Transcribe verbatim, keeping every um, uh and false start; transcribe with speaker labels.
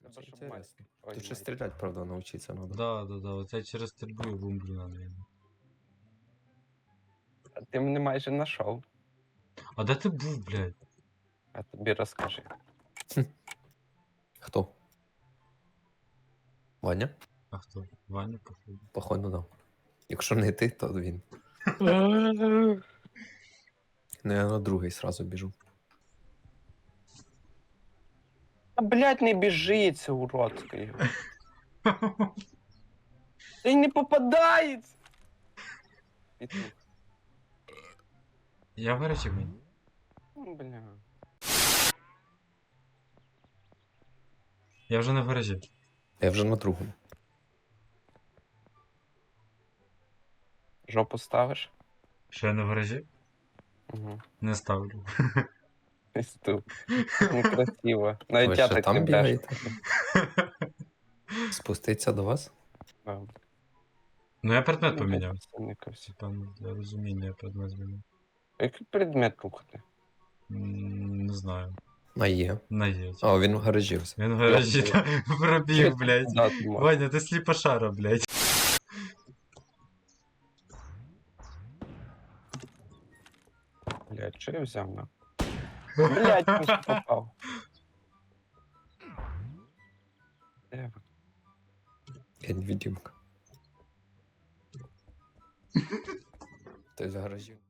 Speaker 1: Треба,
Speaker 2: Це
Speaker 1: щоб
Speaker 2: інтересно.
Speaker 1: Ой,
Speaker 2: Тут ще
Speaker 1: мать.
Speaker 2: стріляти, правда, навчитися треба.
Speaker 3: Да, да, да, оце через стрільбу і бумблю надо.
Speaker 1: А ти мене майже знайшов.
Speaker 3: А де ти був, блядь?
Speaker 1: А тобі розкажи.
Speaker 2: Хто? Ваня?
Speaker 3: А хто? Ваня, походу.
Speaker 2: Походу, да. Якщо не ти, то він. Ну, я на другий сразу біжу.
Speaker 1: А, блядь, не біжи, це уродський. Та й не попадається! Петух.
Speaker 3: Я в гаражі мені.
Speaker 1: Ну, бля.
Speaker 3: Я вже не в гаражі.
Speaker 2: Я вже на другому.
Speaker 1: Жопу ставиш?
Speaker 3: Що я не в гаражі?
Speaker 1: Угу.
Speaker 3: Не ставлю.
Speaker 1: Пісту. Некрасиво.
Speaker 2: Ви
Speaker 1: Навіть я
Speaker 2: ще
Speaker 1: так не
Speaker 2: там
Speaker 1: брешу.
Speaker 2: бігаєте? Спуститься до вас?
Speaker 1: Да.
Speaker 3: Ну я предмет
Speaker 1: Ну,
Speaker 3: поміняв.
Speaker 1: представникався.
Speaker 3: Там для розуміння я предмет змінив.
Speaker 1: Який предмет рухати?
Speaker 3: М, Не знаю.
Speaker 2: А є.
Speaker 3: На є.
Speaker 2: А, він в гаражі все.
Speaker 3: Він в гаражі
Speaker 1: Йоп,
Speaker 3: та, пробіг, блядь.
Speaker 1: Да, ти можеш.
Speaker 3: Ваня, ти сліпошара, блядь.
Speaker 1: Блядь, що я взяв на? Блядь, не ж попав. Де ви?
Speaker 2: Я невидимка. Ти з гаражів.